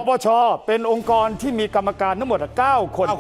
ปชเป็นองค์กรที่มีกรรมการทั้งหมด9 คน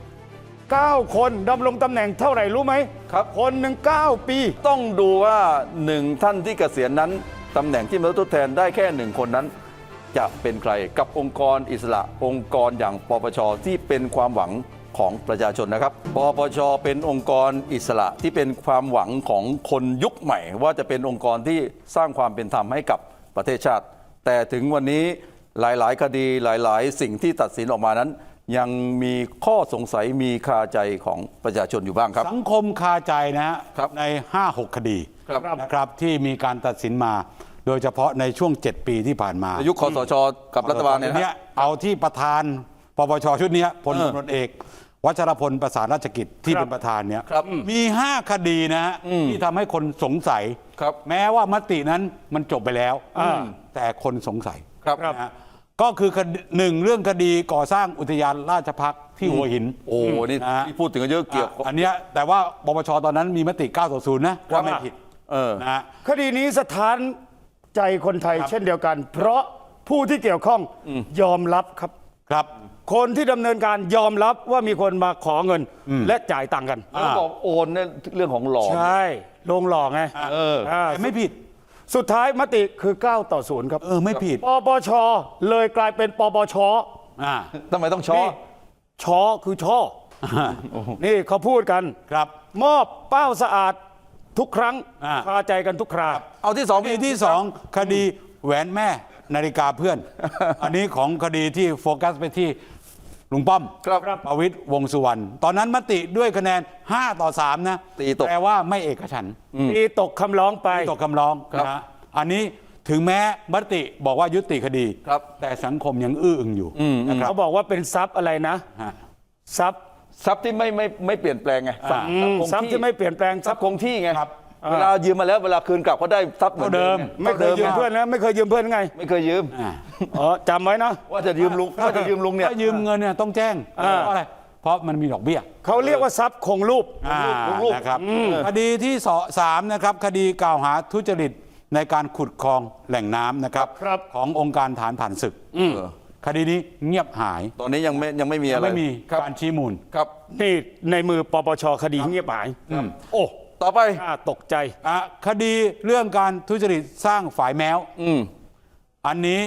9 คนดำรงตำแหน่งเท่าไหร่รู้ไหมครับคนหนึ่ง9 ปีต้องดูว่าหนึ่งท่านที่เกษียณนั้นตำแหน่งที่มาทดแทนได้แค่หนึ่งคนนั้น จะเป็นใครกับองค์กรอิสระองค์กรอย่างปปชที่เป็นความหวังของประชาชนนะครับปปชเป็นองค์กรอิสระที่เป็นความหวังของคนยุคใหม่ ว่าจะเป็นองค์กรที่สร้างความเป็นธรรมให้กับประเทศชาติ แต่ถึงวันนี้หลายๆ คดีหลายๆ สิ่งที่ตัดสินออกมานั้น ยังมีข้อสงสัยมีคาใจของประชาชนอยู่บ้างครับสังคมคาใจนะฮะครับใน 5-6 คดีครับนะครับที่มีการตัดสินมา โดยเฉพาะในช่วง 7 ปีที่ผ่านมายุคคสชกับรัฐบาลเนี่ยเนี้นะยเอาที่ประธานปปชชุดเนี้ยพลตำรวจเอกวัชรพลประสานราชกิจที่เป็นประธานเนี่ยครับมี 5 คดีนะฮะที่ทำให้คนสงสัยครับแม้ว่ามตินั้นมันจบไปแล้วแต่คนสงสัยครับนะฮะก็คือหนึ่งเรื่องคดีก่อสร้างอุทยานราชภัฏที่หัวหินโอ้นี่นะฮะที่พูดถึงกันเยอะเกี่ยวอันเนี้ยแต่ว่าปปชตอนนั้นมีมติ 9-0 นะว่าไม่ผิด นะฮะคดีนี้สถานใจคนไทยเช่นเดียวกัน เพราะผู้ที่เกี่ยวข้องยอมรับครับครับคนที่ดำเนินการยอมรับว่ามีคนมาขอเงินและจ่ายตังค์กันแล้วบอกโอนเนี่ยเรื่องของหลอกใช่ลงหลอกไงแต่ไม่ผิดสุดท้ายมติคือ9-0ครับไม่ผิดปปชเลยกลายเป็นปปชอ่าทำไมต้องช้อนี่ชอคือช่อนี่เขาพูดกันครับมอบเป้าสะอาดทุกครั้งอ่าคาใจกันทุกคราเอาที่สองคดีที่สองคดีแหวนแม่นาฬิกาเพื่อน อันนี้ของคดีที่โฟกัสไปที่ลุงป้อมครับประวิตรวงษ์สุวรรณตอนนั้นมติด้วยคะแนน5-3นะตีตกแปลว่าไม่เอกฉันท์ตีตกคำร้องไปตกคำร้องครับนะฮะอันนี้ถึงแม้มติบอกว่ายุติคดีครับแต่สังคมยังอื้ออึงอยู่นะครับเขาบอกว่าเป็นทรัพย์อะไรนะฮะทรัพย์ทรัพย์ที่ไม่เปลี่ยนแปลงไงทรัพย์ทรัพย์ที่ไม่เปลี่ยนแปลงทรัพย์คงที่ไงครับเวลายืมมาแล้วเวลาคืนกลับก็ได้ทรัพย์เหมือนเดิมไม่เคยยืมเพื่อนนะไม่เคยยืมเพื่อนไงไม่เคยยืมอ่าอ๋อจำไว้นะว่าจะยืมลุงเนี่ยถ้ายืมเงินเนี่ยต้องแจ้งเพราะอะไรเพราะมันมีดอกเบี้ยเขาเรียกว่าทรัพย์คงรูปลูกนะครับคดีที่สามนะครับคดีกล่าวหาทุจริตในการขุดคลองแหล่งน้ำนะครับครับขององค์การฐานผ่านศึกคดีนี้เงียบหายตอนนี้ยังไม่มีอะไรไม่มีครับการชี้มูลครับนี่ในมือปปชคดีเงียบหายโอ้ต่อไปน่าตกใจคดีเรื่องการทุจริตสร้างฝายแมว อันนี้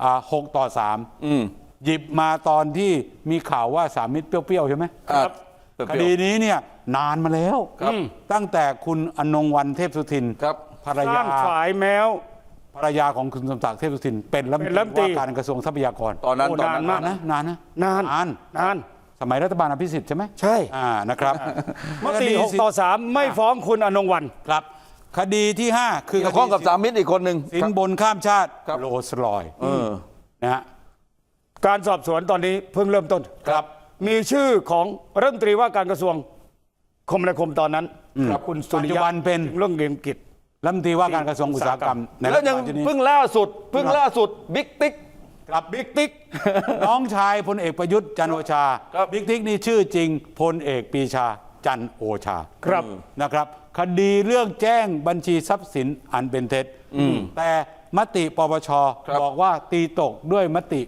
6-3หยิบมาตอนที่มีข่าวว่าสามมิตรเปรี้ยวๆใช่ไหมครับคดีนี้เนี่ยนานมาแล้วครับตั้งแต่คุณอนงวันเทพสุทินครับภรรสร้ายางฝายแมวภรรยาของคุณสมศักดิ์เทพสุทินเป็นรัฐมนเป็นรัฐมนตตรีรีว่าการกระทรวงทรัพยากรตอนนั้นโอ้ตอนนั้นนานมากนานนะนาน นานสมัยรัฐบาลอภิสิทธิ์ใช่ไหมใช่นะครับมติ6-3ไม่ฟ้องคุณอนงวันครับ คดีที่ 5 คือเกี่ยวข้องกับสามมิตรอีกคนหนึ่งสินบนข้ามชาติครับโรลส์รอยซ์นะฮะการสอบสวนตอนนี้เพิ่งเริ่มต้นครับมีชื่อของรัฐมนตรีว่าการกระทรวงคมนาคมตอนนั้นครับคุณสุปัจริจุยะบันเป็นเรื่องเรียนกิจรัฐมนตรีว่าการกระทรวงอุตสาหกรรมในแล้วยังรัฐบาลชุดนี้เพิ่งล่าสุดบิ๊กติ๊กครับบิ๊กติ๊กน้องชายพลเอกประยุทธ์จันทร์โอชาครับบิ๊กติ๊กนี่ชื่อจริงพลเอกปรีชาจันทร์โอชาครับนะครับ คดีเรื่องแจ้งบัญชีทรัพย์สินอันเป็นเท็จแต่มติปปชครับบอกว่าตีตกด้วยมติ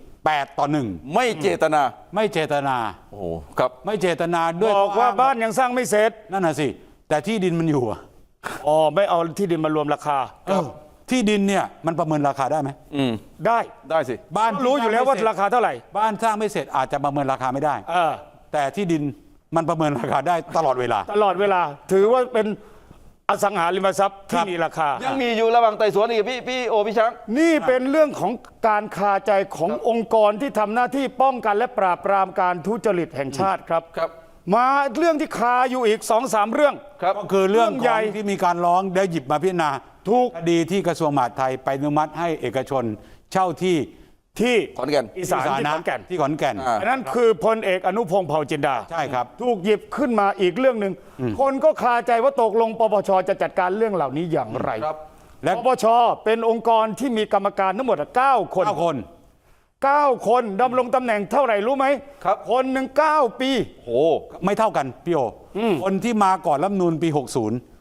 8-1 ไม่เจตนาไม่เจตนาโอ้โหครับไม่เจตนาด้วยบอกว่าบ้านยังสร้างไม่เสร็จนั่นน่ะสิแต่ที่ดินมันอยู่อะอ๋อไม่เอาที่ดินมารวมราคาที่ดินเนี่ยมันประเมินราคาได้ไหมได้ได้สิบ้านรู้อยู่แล้วว่าราคาเท่าไหร่บ้านสร้างไม่เสร็จอาจจะประเมินราคาไม่ได้เออแต่ที่ดินมันประเมินราคาได้ตลอดเวลาตลอดเวลา ถือว่าเป็นอสังหาริมทรัพย์ครัที่บมีราคายังมีอยู่ระหว่างไต่สวนอีกพี่โอพี่ช้างนี่เป็นเรื่องของการคาใจขององค์กรที่ทำหน้าที่ป้องกันและปราบปรามการทุจริตแห่งชาติครับครับมาเรื่องที่คาอยู่อีก2-3 เรื่องครับก็คือเรื่องเรื่องขใหญ่องที่มีการร้องได้หยิบมาพิจารณาถูกคดีที่กระทรวงมหาดไทยไปอนุมัติให้เอกชนเช่าที่ที่ขอนแก่นอีสานที่ขอนแก่นที่ขอนแก่นอ่าอันนั้นคือพลเอกอนุพงษ์เผ่าจินดาใช่ครับถูกหยิบขึ้นมาอีกเรื่องหนึ่งคนก็คาใจว่าตกลงปปชจะจัดการเรื่องเหล่านี้อย่างไรครับและปปชเป็นองค์กรที่มีกรรมการทั้งหมด9 คน 9 คน 9 คนดำรงตำแหน่งเท่าไหร่รู้ไหมครับคนหนึ่ง9 ปีโอ้ไม่เท่ากันพี่โอคนที่มาก่อนรัฐธรรมนูญปี 60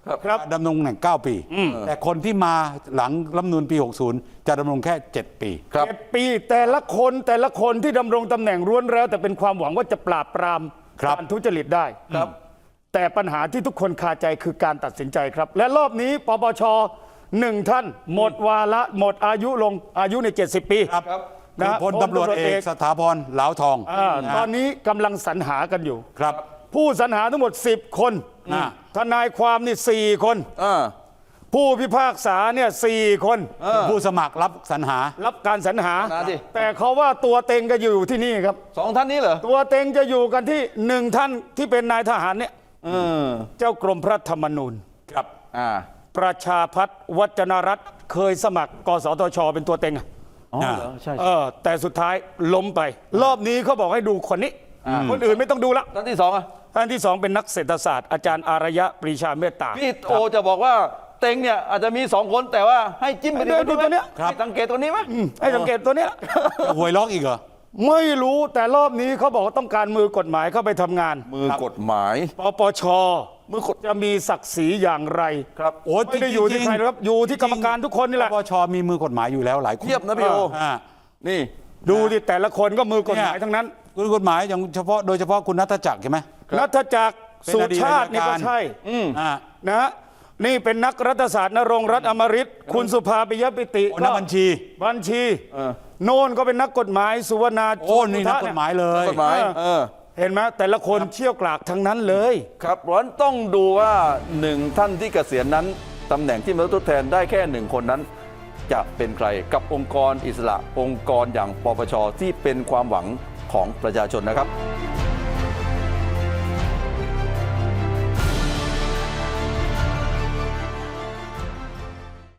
ครับดำรงตำแหน่ง 9 ปี แต่คนที่มาหลังรัฐธรรมนูญปี 60 จะดำรงแค่ 7 ปีครับ 7 ปีแต่ละคนที่ดำรงตำแหน่งร้วนแล้วแต่เป็นความหวังว่าจะปราบปรามครับการทุจริตได้ครับแต่ปัญหาที่ทุกคนคาใจคือการตัดสินใจครับ และรอบนี้ปปช1 ท่านหมดวาระหมดอายุลงอายุใน 70 ปีครับนะคือพลตำรวจเอกสถาพรเหลาทองตอนนี้กำลังสรรหากันอยู่ครับผู้สรรหาทั้งหมด 10 คนอ่าทนายความนี่4 คนอ่าผู้พิพากษาเนี่ย4 คนผู้สมัครรับสรรหารับการสรรหานะดิแต่เขาว่าตัวเต็งก็อยู่ที่นี่ครับ 2 ท่านนี้เหรอตัวเต็งจะอยู่กันที่1 ท่านที่เป็นนายทหารเนี่ยเออเจ้ากรมพระธรรมนูญครับอ่าประชาพัฒน์วจนรัตน์เคยสมัครกสทชเป็นตัวเต็งอะอ๋อเหรอใช่แต่สุดท้ายล้มไป รอบนี้เขาบอกให้ดูคนนี้ คนอื่นไม่ต้องดูละท่านที่ 2 อ่ะท่านที่ 2 เป็นนักเศรษฐศาสตร์อาจารย์อารยะปรีชาเมตตาพี่โอจะบอกว่าเต็งเนี่ยอาจจะมี 2 คนแต่ว่าให้จิ้มไปให้ดูตัวเนี้ยให้สังเกตตัวนี้ไหมให้สังเกตตัวเนี้ยจะหวยล็อกอีกเหรอไม่รู้แต่รอบนี้เขาบอกว่าต้องการมือกฎหมายเข้าไปทำงานมือกฎหมายปปชมือกฎจะมีศักดิ์ศรีอย่างไรครับโอ้ไม่ได้อยู่ที่ใครหรอกครับอยู่ที่กรรมการทุกคนนี่แหละปปชมีมือกฎหมายอยู่แล้วหลายคนเทียบนะพี่โออ่านี่ดูที่แต่ละคนก็มือกฎหมายทั้งนั้นคุณกฎหมายอย่างเฉพาะโดยเฉพาะคุณนัทจักรใช่ไหมนัทจักรเป็นสุอดีตชาตินี่ก็อัยการใช่อ่านะฮะนี่เป็นนักรัฐศาสตร์นรงค์รัตน์อมฤตคุณสุภาปิยปิติโอ้นักบัญชีบัญชีโน่นก็เป็นนักกฎหมายสุวรรณาโอ้นี่นักกฎหมายเลยกฎหมายเห็นไหมแต่ละคนเชี่ยวกรากทั้งนั้นเลยครับเพราะฉะนั้นต้องดูว่า1 ท่านที่เกษียณนั้นตำแหน่งที่มาทดแทนได้แค่ 1 คนนั้น จะเป็นใครกับองค์กรอิสระองค์กรอย่างปปชที่เป็นความหวังของประชาชนนะครับ